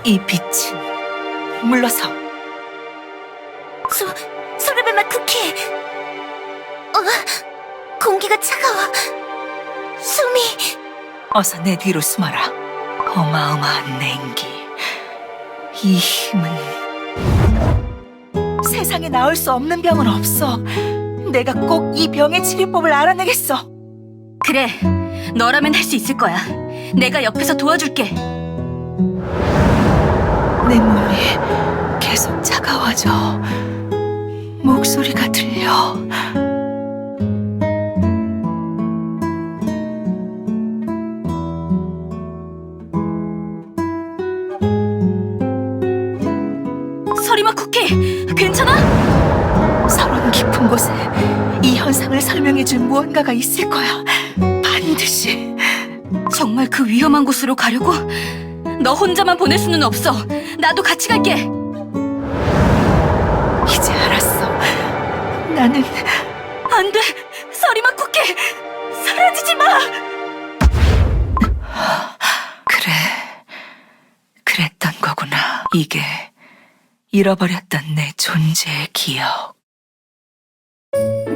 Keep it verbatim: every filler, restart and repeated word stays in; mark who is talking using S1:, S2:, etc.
S1: 이 빛은 물러서.
S2: 소, 소르베맛 쿠키! 어, 공기가 차가워. 숨이...
S1: 어서 내 뒤로 숨어라. 어마어마한 냉기. 이 힘은 세상에 나올 수 없는 병은 없어. 내가 꼭 이 병의 치료법을 알아내겠어.
S3: 그래, 너라면 할 수 있을 거야. 내가 옆에서 도와줄게.
S1: 내 몸이 계속 차가워져. 목소리가 들려.
S3: 서리맛 쿠키, 괜찮아?
S1: 서론 깊은 곳에 이 현상을 설명해줄 무언가가 있을 거야. 반드시.
S3: 정말 그 위험한 곳으로 가려고? 너 혼자만 보낼 수는 없어. 나도 같이 갈게.
S1: 이제 알았어. 나는
S3: 안 돼, 서리맛 쿠키, 사라지지 마.
S1: 그래. 그랬던 거구나. 이게 잃어버렸던 내 존재의 기억.